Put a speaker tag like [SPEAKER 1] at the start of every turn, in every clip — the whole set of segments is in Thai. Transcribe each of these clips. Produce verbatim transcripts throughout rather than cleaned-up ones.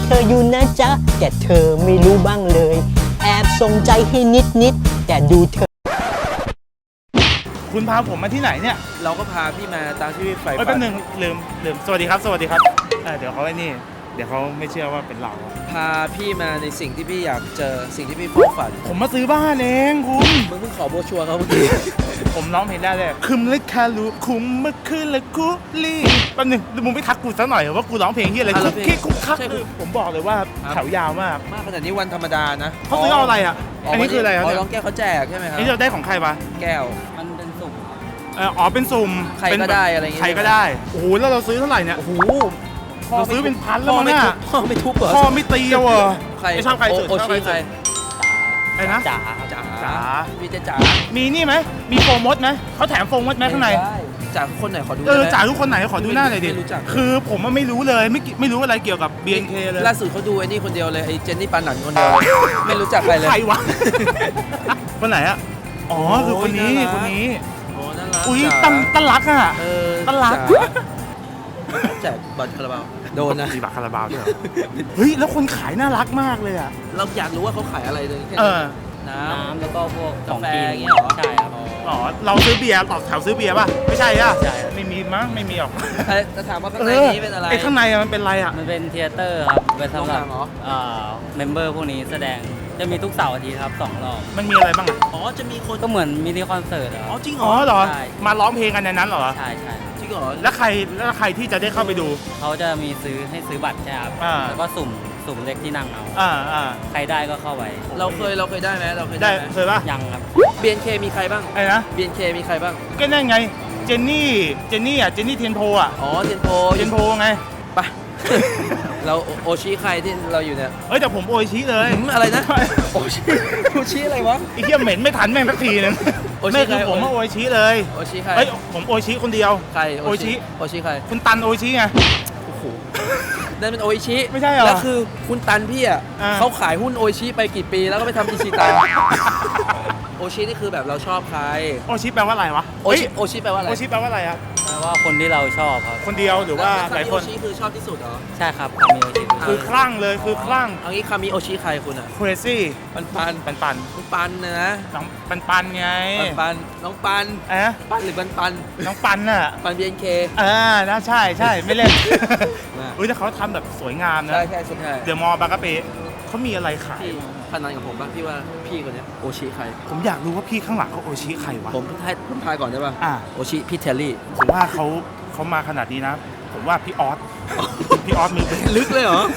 [SPEAKER 1] เธออยู่นะจ๊ะแต่เธอไม่รู้บ้างเลยแอบส่งใจให้นิดนิดแต่ดูเธอ
[SPEAKER 2] คุณพาผมมาที่ไหนเนี่ย
[SPEAKER 3] เราก็พาพี่มาตามที่พี่ใฝ่ฝัน
[SPEAKER 2] แป๊บนึงลืมลืมสวัสดีครับสวัสดีครับเดี๋ยวเขาไอ้นี่เดี๋ยวเขาไม่เชื่อว่าเป็นเรา
[SPEAKER 3] พาพี่มาในสิ่งที่พี่อยากเจอสิ่งที่พี่ใฝ่ฝัน
[SPEAKER 2] ผมมาซื้อบ้านเองคุณ
[SPEAKER 3] มึงเพิ่งขอโบรชัวร์เขาเมื่อกี้
[SPEAKER 2] ผมร้องเพลงได้เลยคุมเล็กคารูคุมเมื่อคืนละคุลี่แป๊บนึงมึงไม่ทักกูซะหน่อยว่ากูร้องเพลงที่อะไรคุกคิกคุกคักผมบอกเลยว่าแถวยาวมาก
[SPEAKER 3] มากขนาดนี้วันธรรมดานะ
[SPEAKER 2] เขาซื้อเอาอะไรอ่ะอันนี้คืออะไรครับ
[SPEAKER 3] ร้องแก้วเขาแจกใช่ไหมครับ
[SPEAKER 2] นี่เราได้ของใครมา
[SPEAKER 3] แก้ว
[SPEAKER 1] มันเป็นสุ่ม
[SPEAKER 2] อ๋อเป็นสุ่ม
[SPEAKER 3] ใครก็ได้อะไรเงี้ย
[SPEAKER 2] ใครก็ได้โอ้โหแล้วเราซื้อเท่าไหร่เนี่ย
[SPEAKER 3] โอ้โห
[SPEAKER 2] เราซื้อเป็นพันแล้วมั้งเนี่ย
[SPEAKER 3] พ่อไม่ทุบเหรอ
[SPEAKER 2] พ่อไม่ตีเอาเหรอ
[SPEAKER 3] ใคร
[SPEAKER 2] ไม่ชอบใครสุด
[SPEAKER 3] โอชิใคร
[SPEAKER 2] ไอ้นะ
[SPEAKER 3] จ๋าจ๋าจ๋าพี่จ๋า
[SPEAKER 2] มีนี่ไหมมีโฟมดไหมเขาแถมโฟมดไหมข้างใน
[SPEAKER 3] จ๋าคนไหนขอดู
[SPEAKER 2] เออจ๋าทุกคนไหนขอดูหน้าหน่อยดิ
[SPEAKER 3] ไม่รู้จัก
[SPEAKER 2] คือผมไม่รู้เลยไม่ไม่รู้อะไรเกี่ยวกับ บี เอ็น เค เลย
[SPEAKER 3] ล่าสุดเขาดูไอ้นี่คนเดียวเลยไอ้เจนนี่ปานันคนเดียวไม่รู้จักใครเลย
[SPEAKER 2] ใครวะคนไหนอะอ๋อคือคนนี้คนนี้
[SPEAKER 3] โอ้น่ารัก
[SPEAKER 2] อุ้ยตั้งตั้งรักอะ
[SPEAKER 3] เออ
[SPEAKER 2] ตั้งรัก
[SPEAKER 3] แจกบัตรคาราบาวโดนนะ
[SPEAKER 2] มีบัตรคาราบาวด้วยเฮ้ยแล้วคนขายน่ารักมากเลยอะ
[SPEAKER 3] เราอยากรู้ว่าเขาขายอะไรเลย
[SPEAKER 2] เออ
[SPEAKER 3] น้ำแล้วก็พวกกาแฟอย่างเงี้ยหรอใช่ครับ
[SPEAKER 2] อ๋อเราซื้อเบียร์ต่อแถวซื้อเบียร์ป่ะไม่ใช่อะใช่ไม่มีมั้งไม่มีหรอก
[SPEAKER 3] จะถามว่าข้างในนี้เป็นอะไร
[SPEAKER 2] ไอ้ข้างในมันเป็นอะไรอะ
[SPEAKER 1] มันเป็นเทเตอร์ครับเป็นสำหรับเอ่อเมมเบอร์พวกนี้แสดงจะมีทุกเสาร์อาทิตย์ครับสองรอบ
[SPEAKER 2] มันมีอะไรบ้าง
[SPEAKER 3] อ๋อจะมีคน
[SPEAKER 1] ก็เหมือนมินิคอนเสิร์ต
[SPEAKER 3] อ๋อจริงเหร
[SPEAKER 2] ออ๋อเหรอมาร้องเพลงกันในนั้นเหรอ
[SPEAKER 1] ใช่ใช่
[SPEAKER 3] จริงเหรอ
[SPEAKER 2] แล้วใครแล้วใครที่จะได้เข้าไปดู
[SPEAKER 1] เขาจะมีซื้อให้ซื้อบัตรใช่ครับแล้วก็สุ่มสุ่มเล็กที่นั่งเอา
[SPEAKER 2] อ่าอ่า
[SPEAKER 1] ใครได้ก็เข้าไป
[SPEAKER 3] เราเคยเราเคยได้ไหมเราเคย
[SPEAKER 2] ได้เคยป่ะ
[SPEAKER 1] ยังครับ
[SPEAKER 3] บี เอ็น เค มีใครบ้าง
[SPEAKER 2] ไอ้นะ
[SPEAKER 3] บี เอ็น เค มีใครบ้าง
[SPEAKER 2] ก็นั่นไงเจนนี่เจนนี่อ่ะเจนนี่เทียนโพอ่ะ
[SPEAKER 3] อ๋อเทียนโพ
[SPEAKER 2] เทียนโพไง
[SPEAKER 3] ไปเราโอชิใครที่เราอยู่เนี่ย
[SPEAKER 2] เอ้ยแต่ผมโอชิเลย
[SPEAKER 3] อะไรนะโอชิโอชิอะไรวะ
[SPEAKER 2] ไอ้เหี้ยเหม็นไม่ทันแม่งสักทีนึงไม่คือผมว่าโอชิเลย
[SPEAKER 3] โอชิใคร
[SPEAKER 2] เฮ้ยผมโอชิคนเดียว
[SPEAKER 3] ใคร
[SPEAKER 2] โอชิ
[SPEAKER 3] โอชิใคร
[SPEAKER 2] คุณตันโอชิไง
[SPEAKER 3] โอ้โหนั่นเป็นโอชิ
[SPEAKER 2] ไม่ใช่เหรอ
[SPEAKER 3] แล้วคือคุณตันพี่อ่ะเขาขายหุ้นโอชิไปกี่ปีแล้วก็ไปทำอิชิตันโอชินี่คือแบบเราชอบใคร
[SPEAKER 2] โอชิแปลว่าอะไรวะ
[SPEAKER 3] โอชิโอชิแปลว่าอะไร
[SPEAKER 2] โอชิแปลว่าอะไรครับ
[SPEAKER 1] แปลว่าคนที่เราชอบครับ
[SPEAKER 2] คนเดียวหรือว่าหลายคน
[SPEAKER 3] โอชิคือชอบที่สุดเหรอ
[SPEAKER 1] ใช่ครับคามิโอชิ
[SPEAKER 2] คือคลั่งเลยคือคลั่ง
[SPEAKER 3] เอางี้คามิโอชิใครคุณอ่ะ
[SPEAKER 2] crazy
[SPEAKER 3] ปันปัน
[SPEAKER 2] ปันปัน
[SPEAKER 3] ปันนะ
[SPEAKER 2] น้องปันปันไง
[SPEAKER 3] ปันปันน้องปัน
[SPEAKER 2] เอ๊ะ
[SPEAKER 3] ปันหรือปันปัน
[SPEAKER 2] น้องปันน่ะ
[SPEAKER 3] ปัน บี เอ็น เค
[SPEAKER 2] เออนะใช่ใช่ไม่เล่นอุ้ยแต่เขาทำแบบสวยงามนะ
[SPEAKER 3] ใช่ใช่สุดท้าย
[SPEAKER 2] เดอะมอลล์บางกะปิเขามีอะไรขาย
[SPEAKER 3] พนันกับผมบ้างพี่ว่าพี่คนนี้โอชิใคร
[SPEAKER 2] ผมอยากรู้ว่าพี่ข้างหลังเขาโอชิใครวะ
[SPEAKER 3] ผมทายผมทายก่อนได้ป่ะ
[SPEAKER 2] อ่า
[SPEAKER 3] โอชิพี่เทลลี่
[SPEAKER 2] ผมว่าเขาเขามาขนาดนี้นะผมว่าพี่ออสพี่ออสมือเป็น
[SPEAKER 3] ลึกเลยเหรอ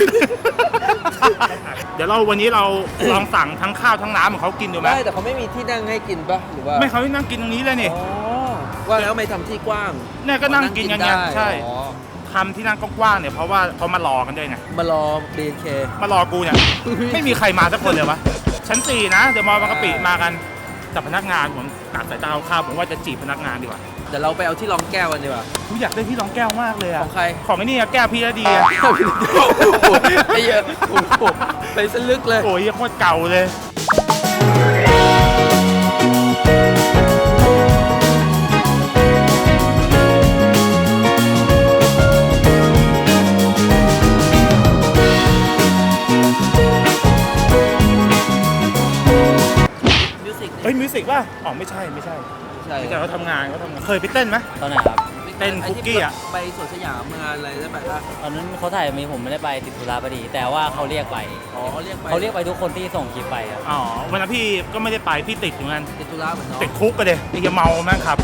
[SPEAKER 2] เดี๋ยวเราวันนี้เราลองสั่งทั้งข้าวทั้งน้ำของเขากินดูไหม
[SPEAKER 3] ได้แต่เขาไม่มีที่นั่งให้กินป่ะหรือว่า
[SPEAKER 2] ไม่เขานั่งกินตรงนี้เลยนี่
[SPEAKER 3] ว่าแล้วไม่ทำที่กว้าง
[SPEAKER 2] เนี่ยก็นั่งกินกันไงใช่ทำที่นั่งกว้างๆเนี่ยเพราะว่าเขามารอกันด้วยไง
[SPEAKER 3] มารอ บี เอ็น เค
[SPEAKER 2] มารอกูเนี่ยไม่มีใครมาสักคนเลยวะชั้นสี่นะเดี๋ยวมอบางกะปิมากันแต่พนักงานผมตัดสายตาข้าวผมว่าจะจีบพนักงานดีกว่า
[SPEAKER 3] เดี๋ยวเราไปเอาที่รองแก้วกันดีกว่า
[SPEAKER 2] ผมอยากได้ที่รองแก้วมากเลยอะ
[SPEAKER 3] ของใคร
[SPEAKER 2] ของไอ้นี่แก้วพี่ดีอะ
[SPEAKER 3] ไอ้เยอะไปสลึกเลย
[SPEAKER 2] โอ้ยโคตรเก่าเลยเฮ้ยมิวสิกป่ะอ๋อไม่ใช่ไม่ใช่
[SPEAKER 3] ใช่
[SPEAKER 2] ไม่ใช่เขาทำงานเขาทำงานเคยไปเต้นไหม
[SPEAKER 1] ตอนไหนครับ
[SPEAKER 2] เต้นคุกกี้อ่ะ
[SPEAKER 3] ไปสวนสยามงานอะไรได้ไหมล่ะ
[SPEAKER 1] ตอนนั้นเขาถ่ายมีผมไม่ได้ไปติดธุระพอดีแต่ว่าเขาเรียกไป
[SPEAKER 3] อ๋อเขาเรียกไป
[SPEAKER 1] เขาเรียกไปทุกคนที่ส่งคลิปไปครับ
[SPEAKER 2] อ๋อวันนั้นพี่ก็ไม่ได้ไปพี่ติดเหมือนกัน
[SPEAKER 3] ติดธุระเหมือนน้อง
[SPEAKER 2] ติดคุกกันเลยไอ้เมาแม่งครับ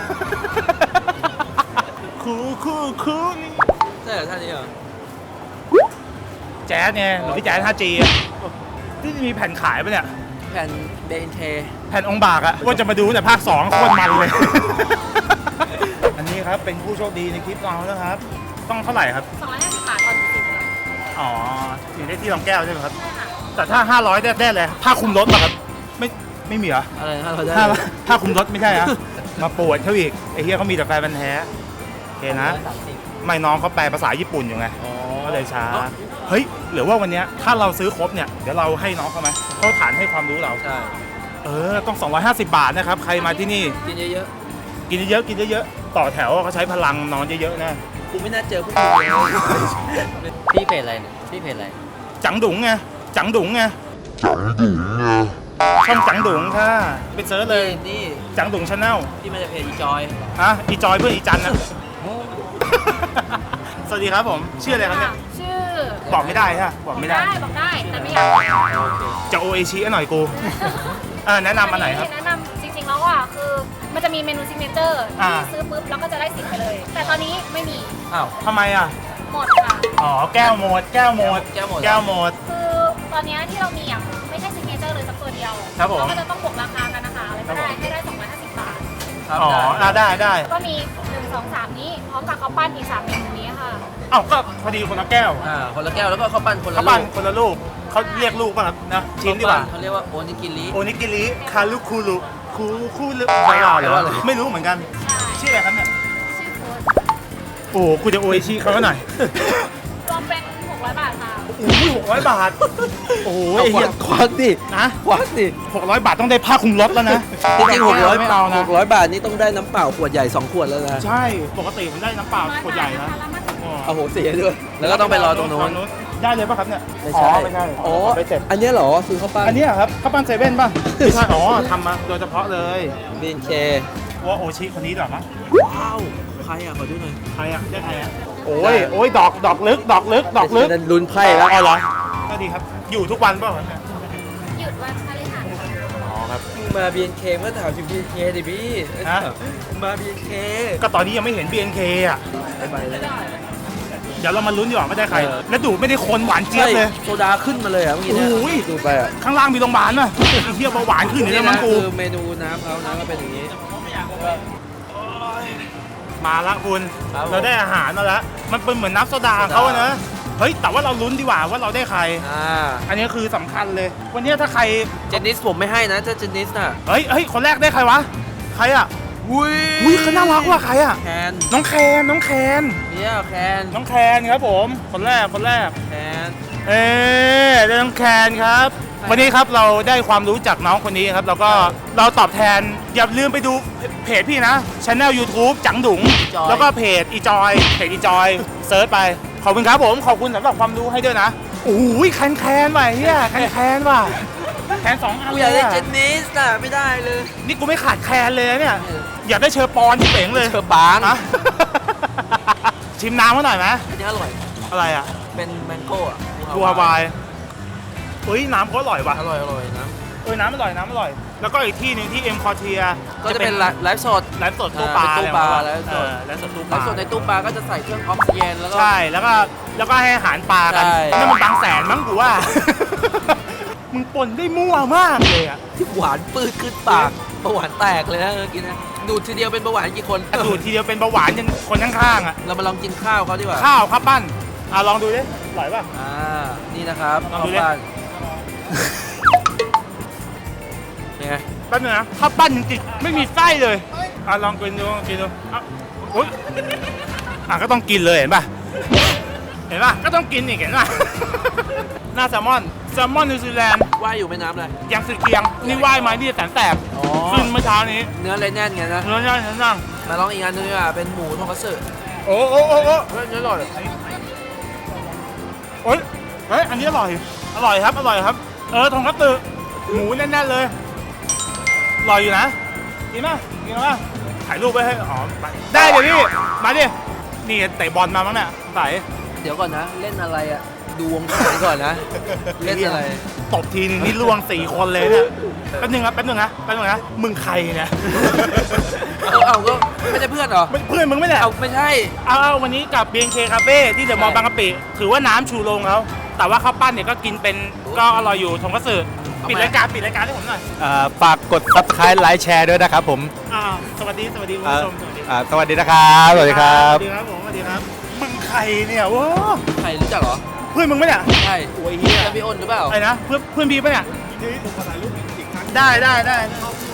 [SPEAKER 2] คูคูคูนี่
[SPEAKER 3] ใช่เหรอท่านนี้เหรอ
[SPEAKER 2] แจ๊สไงหรือพี่แจ๊ส ห้าจี ที่มีแผ่นขายปะเนี่ย
[SPEAKER 3] แผ่น บี เอ็น เค
[SPEAKER 2] แผ่นองค์บากอะว่าจะมาดูแต่ภาคสองโคตรมันเลยอันนี้ครับเป็นผู้โชคดีในคลิปเรานะครับต้องเท่าไหร่ครับ
[SPEAKER 4] สองร้อยห้าสิบบาทตอนสิบ
[SPEAKER 2] อ๋อถึงได้ที่รองแก้วใช่ไหมครับแต่ถ้าห้าร้อยได้ได้เลยผ้าคลุมรถป่ะครับไม่ไม่มีเหรอ
[SPEAKER 3] อะไรห้าร้อยได้
[SPEAKER 2] ผ้าคลุมรถไม่ใช่ฮะมาปวดเขาอีกไอ้เหี้ยเขามีแต่แฟนพันธุ์แท้โอเคนะไม่น้องเขาแปลภาษาญี่ปุ่นอยู่ไงก็เลยช้าเฮ้ยหรือว่าวันนี้ถ้าเราซื้อครบเนี่ยเดี๋ยวเราให้น้องเขาไหมเขาฐานให้ความรู้เรา
[SPEAKER 3] ใช่
[SPEAKER 2] เออต้องสองร้อยห้าสิบบาทนะครับใครมาที่นี่
[SPEAKER 3] กินเยอะ
[SPEAKER 2] ๆกินเยอะๆกินเยอะๆต่อแถวเขาใช้พลังนอนเยอะๆนะ
[SPEAKER 3] กูไม่น่าเจอพวกมึงเลย
[SPEAKER 4] พี่เพจอะไรเนี่ยพี่เพจอะไร
[SPEAKER 2] จังดุงไงจังดุงไงช่องจังดุงค่ะไปเซิร์ชเลย
[SPEAKER 3] นี่
[SPEAKER 2] จังดุงชาแนล
[SPEAKER 3] ที่มาจากเพจอีจอย
[SPEAKER 2] ฮะอีจอยเพื่อนอีจันนะ สวัสดีครับผมชื่ออะไรครับเนี่ย
[SPEAKER 5] ชื่อ
[SPEAKER 2] บอกไม่ได้ฮะบอกไม่ได้
[SPEAKER 5] บอกได้แต่ไม่อยากบอก
[SPEAKER 2] จะโอเอชีหน่อยกูเออแนะนำอันไหนครับ
[SPEAKER 5] แนะนำจริงๆแล้วอ่ะคือมันจะมีเมนูซิกเนเจอร์
[SPEAKER 2] อ่า
[SPEAKER 5] ที่ซื้อปุ๊บแล้วก็จะได้สิทธิ์ไปเลย แต่ตอนนี้ไม่มี
[SPEAKER 3] อ้าว
[SPEAKER 2] ทำไมอ่ะ
[SPEAKER 5] หมดค่ะ
[SPEAKER 2] อ๋อแก้วหมดแก้วหมด
[SPEAKER 3] แก้วหมด
[SPEAKER 2] แก้วหมด
[SPEAKER 5] คือตอนนี้ที่เรามีอ่ะไม่ใช่ซิกเนเจอร์เลยสักตัวเดียว
[SPEAKER 2] ครับผม
[SPEAKER 5] เราก็จะต้องบวกราคากันนะคะอะไรก็ได้ให้ได้สองร้อยห้าสิบบาท
[SPEAKER 3] ครับ
[SPEAKER 2] อ๋อ
[SPEAKER 3] ได้
[SPEAKER 2] อ่ะได้ได้
[SPEAKER 5] ก็มีหนึ่ง สอง สามนี้พร้อมกับข้าวปั้นอีกสามเมนูนี้ค่ะ
[SPEAKER 2] เอ้าก็พอดีคนละแก้ว
[SPEAKER 3] อ่าคนละแก้วแล้วก็ข้าวปั้นคนละ
[SPEAKER 2] เขา
[SPEAKER 3] ลู
[SPEAKER 2] ปั้น
[SPEAKER 3] ก
[SPEAKER 2] คนละลูกเขาเรียกลูกป่ะครับนะชิมดีกว่า
[SPEAKER 3] เขาเรียกว่าโอนิกิริ
[SPEAKER 2] โอนิกิริคารุคูรุคูคูรุอะไรอ่ะ
[SPEAKER 3] แปลว่าอะไร
[SPEAKER 2] ไม่รู้เหมือนกัน
[SPEAKER 5] ใช่
[SPEAKER 2] ชื่ออะไรครับเนี่ย
[SPEAKER 5] ชื่อฟูด
[SPEAKER 2] โอ้กูจะโอเอชีเขาหน่อย
[SPEAKER 5] รวมเป็นหกร้อยบาทค่ะ
[SPEAKER 2] โอ้ยหกร้อยบาท โอ้ย
[SPEAKER 3] เอา
[SPEAKER 2] ไอ้
[SPEAKER 3] ควั
[SPEAKER 2] เหี้ย
[SPEAKER 3] กควักดิ
[SPEAKER 2] นะ
[SPEAKER 3] ควักดิ
[SPEAKER 2] หกร้อยบาทต้องได้ผ้าคลุมรถแล้วนะ
[SPEAKER 3] จริงๆหกร้อย
[SPEAKER 2] ไม่เอานะ
[SPEAKER 3] หกร้อยบาทนี่ต้องได้น้ำเปล่าขวดใหญ่สองขวดแล้วนะ
[SPEAKER 2] ใช่ปกติผมได้น้ำเปล่าขวดใหญ่นะ
[SPEAKER 5] แล้วมาถึง
[SPEAKER 2] อ๋อ
[SPEAKER 3] เอาโหเสียด้วย แล้วก็ต้องไปรอตรงโน้น
[SPEAKER 2] ได้เลยป่ะครับเนี่ย
[SPEAKER 3] ไม่ใช่
[SPEAKER 2] อ๋อไม่ใช่
[SPEAKER 3] อ๋อ
[SPEAKER 2] ไปเสร็จ
[SPEAKER 3] อันเนี้ยเหรอซื้อข้าวปั้น
[SPEAKER 2] อันเนี้ยครับข้าวปั้นเซเว่นป่ะไม่ใช่อ๋อทำมาโดยเฉพาะเลย
[SPEAKER 3] บีนเค
[SPEAKER 2] ว่าโอชิคนนี้เหรอมั้ง
[SPEAKER 3] ว้าวใครอ่ะขอดูหน่อย
[SPEAKER 2] ใครอ่ะได้ใครอ่ะโอ้ยโอ้ยดอกดอกลึกดอกลึกดอกลึก
[SPEAKER 3] นั่นลุ้นไพ่แล้ว
[SPEAKER 2] อ๋อเหรอก็ดีครับ อยู่ทุกวันเปล่าครับเนี่ย
[SPEAKER 5] หยุดวันพฤหัสค่ะ
[SPEAKER 2] อ๋อครับ
[SPEAKER 3] มึงมา บี เอ็น เค เมื่อถามถึง บี เอ็น เค ดิพี่
[SPEAKER 2] ฮะ
[SPEAKER 3] มึงมา บี เอ็น เค
[SPEAKER 2] ก็ตอนนี้ยังไม่เห็น บี เอ็น เค อ่ะ
[SPEAKER 3] ไปไปเลย
[SPEAKER 2] เดี๋ยวเรามาลุ้นดีกว่าไม่ได้ใคร
[SPEAKER 3] เออ
[SPEAKER 2] แล้วดูดไม่ได้คนหวานเจี๊ยบเลย
[SPEAKER 3] โซดาขึ้นมาเลยอ่ะเมื่อกี้เนี่ย
[SPEAKER 2] โอ้ย
[SPEAKER 3] ดูไปอ่ะ
[SPEAKER 2] ข้างล่างมีโรงพยาบาลป่ะไอ้เทียบเบาหวานขึ้นอยู่
[SPEAKER 3] นี่
[SPEAKER 2] แล้วมั้
[SPEAKER 3] นะ
[SPEAKER 2] งกู
[SPEAKER 3] คือเมนูน้ำเขาน้ำก็เป็นอย่างนี้
[SPEAKER 2] มาละคุณ
[SPEAKER 3] ครับผม
[SPEAKER 2] เราได้อาหารมาแล้ว มันเป็นเหมือนน้ำโซดาของเขาอะนะ เฮ้ย แต่ว่าเราลุ้นดีกว่าว่าเราได้ใคร
[SPEAKER 3] อ่า
[SPEAKER 2] อันนี้คือสำคัญเลย วันนี้ถ้าใคร
[SPEAKER 3] เจนนิสผมไม่ให้นะถ้าเจนนิสน่ะ
[SPEAKER 2] เฮ้ยเฮ้ย คนแรกได้ใครวะ ใครอ่ะ
[SPEAKER 3] อุ้ย
[SPEAKER 2] อุ้ยเขาน่ารักว่ะใครอ่ะ
[SPEAKER 3] แคน
[SPEAKER 2] น้องแคนน้องแคน
[SPEAKER 3] เนี่ยแคน
[SPEAKER 2] น้องแคนครับผม คนแรก คนแรก
[SPEAKER 3] แคน
[SPEAKER 2] เอ๊ได้น้องแคนครับ วันนี้ครับเราได้ความรู้จากน้องคนนี้ครับ แล้วก็เราตอบแทน อย่าลืมไปดูเพจพี่นะช anel YouTube จังดุง แล้วก็เพจอีจอยเพจอีจอยเซิร์ชไป ขอบคุณครับผม ขอบคุณสำหรับความรู้ให้ด้วยนะโอ้ยแคนแคนว่ะเฮียแคนแคนว่ะแคนสองอัน
[SPEAKER 3] กู
[SPEAKER 2] เล
[SPEAKER 3] อยาก
[SPEAKER 2] ย
[SPEAKER 3] ได้
[SPEAKER 2] อะ
[SPEAKER 3] เจนนิสน่ะไม่ได้เลย
[SPEAKER 2] นี่กูไม่ขาดแคนเลยนะเนี่ย อยากได้เชอร์ปอนที่เป๋งเลย
[SPEAKER 3] เชอร์ปาง
[SPEAKER 2] อะ ชิมน้ำมาหน่อยไหม
[SPEAKER 3] อันนี้อร่อย
[SPEAKER 2] อะไรอ่ะ
[SPEAKER 3] เป็นแมงโก้อะ
[SPEAKER 2] กูฮาวายเฮ้ยน้ำเขาอร่อยว่ะ
[SPEAKER 3] อร่อยอร่อยนะ
[SPEAKER 2] เออน้ำอร่อยน้ำอร่อย แล้วก็อีกที่หนึ่งที่เอ็มคอเทีย
[SPEAKER 3] ก็จะเป็นไลฟ์สด
[SPEAKER 2] ไลฟ์สดตู้ปลา
[SPEAKER 3] อ่าเป็นตู้ปลา
[SPEAKER 2] อะไร
[SPEAKER 3] ไลฟ์สด
[SPEAKER 2] เออไลฟ์สดตู้ป
[SPEAKER 3] ไล
[SPEAKER 2] ลา
[SPEAKER 3] ฟ์สดในตู้ปลาก็จะใส่เครื่องออกซิเจนแล้วก็
[SPEAKER 2] ใช่แล้วก็แล้วก็ให้อาหารปลากัน
[SPEAKER 3] ใช่
[SPEAKER 2] นั่นมันบางแสนมั้งกูว่า มึงปนได้มั่วมากเลยอ่ะ
[SPEAKER 3] ที่หวานปืดขึ้นปากเบาหวานแตกเลยนะเมื่อกี้นะดูดทีเดียวเป็นเบาหวานกี่คน
[SPEAKER 2] ดูดทีเดียวเป็นเบาหวานยันคนข้างๆอ่ะ
[SPEAKER 3] เรามาลองกินข้าวเขาดีกว่า
[SPEAKER 2] ข้าวข้าวปั้นอ่ะลองดูดิอร่อยป่ะ
[SPEAKER 3] อ่านี่นะครับ
[SPEAKER 2] ลอง
[SPEAKER 3] ข้าว
[SPEAKER 2] ดูดิ
[SPEAKER 3] ปั้นเป็นไง
[SPEAKER 2] แป๊บนึงนะข้าวปั้นจริงๆไม่มีไส้เลยอ่ะลองกินดูลองกินดูอ่ะอุ๊ยอ่ะก็ต้องกินเลยเห็นป่ะเห็นป่ะก็ต้องกินอีกเห็นป่ะ หน้าแซลมอนแซลมอนนิวซีแลนด์
[SPEAKER 3] ว่ายอยู่แม่น้ำอะไร
[SPEAKER 2] ยังสุดเคียงนี่ว่ายมาที่แสนแสบ
[SPEAKER 3] อ๋อ
[SPEAKER 2] ขึ้นเมื่อเช้านี้
[SPEAKER 3] เนื้อเลยแน่นไงนะ
[SPEAKER 2] เนื้อย่างเนื้อย่าง
[SPEAKER 3] มาลองอีกอันนึงดีกว่าเป็นหมูทงคัตสึ
[SPEAKER 2] โอ้โอ้โอ้โอ้
[SPEAKER 3] เฮ้ยเนื้ออร่อย
[SPEAKER 2] โอ้ยเฮ้ยอันนี้อร่อยอร่อยครับอร่อยครับ เออทงคัตสึหมูแน่นๆเลยอร่อยอยู่นะกินป่ะกินป่ะถ่ายรูปไว้ให้อ๋อไปได้เดี๋ยวพี่มาดินี่เตะบอลมามั้งเนี่ยใส่
[SPEAKER 3] เดี๋ยวก่อนนะ เล่นอะไรอ่ะดูวงการก่อนนะ เล่นอะไร
[SPEAKER 2] ตบทีนึงนี่ล่วงสี่คนเลยเนี่ยแป๊บนึงครับแป๊บนึงนะแป๊บนึงนะมึงใครเนี่ย
[SPEAKER 3] เอาเอาก็ไม่ใช่เพื่อนเหรอ
[SPEAKER 2] ไม่เพื่อนมึงไม่ได้
[SPEAKER 3] เอาไม่ใช่
[SPEAKER 2] เอาเอาวันนี้กับ บี เอ็น เค Cafe ที่เดอะมอลล์บางกะปิถือว่าน้ำชูโรงเขาแต่ว่าข้าวปั้นเนี่ยก็กินเป็นก็อร่อยอยู่ทงคัตสึปิดรายการปิดรายการให้ผมหน่อย
[SPEAKER 6] อ่าฝากกด ซับสไครบ์ ไลค์ แชร์ด้วยนะครับผม
[SPEAKER 2] อ่าสวัสดีสวัสดีคุณ
[SPEAKER 6] อ่า
[SPEAKER 2] ผู้ชมสวัสดี
[SPEAKER 6] อ่าสวัสดีนะครับ สวัสดีครับ
[SPEAKER 2] สวัสดีครับผมสวัสดีครับมึงใครเนี่ยว้า
[SPEAKER 3] ใครรู้จักเหรอ
[SPEAKER 2] เพื่อนมึงปะเนี่ย
[SPEAKER 3] ใช่
[SPEAKER 2] โอ้ยเฮีย
[SPEAKER 3] แล้วพี่อ้นหรือเปล่า
[SPEAKER 2] อะไรนะเพื่อนเพื่อนพี่ปะเนี่ยได้ได้ได้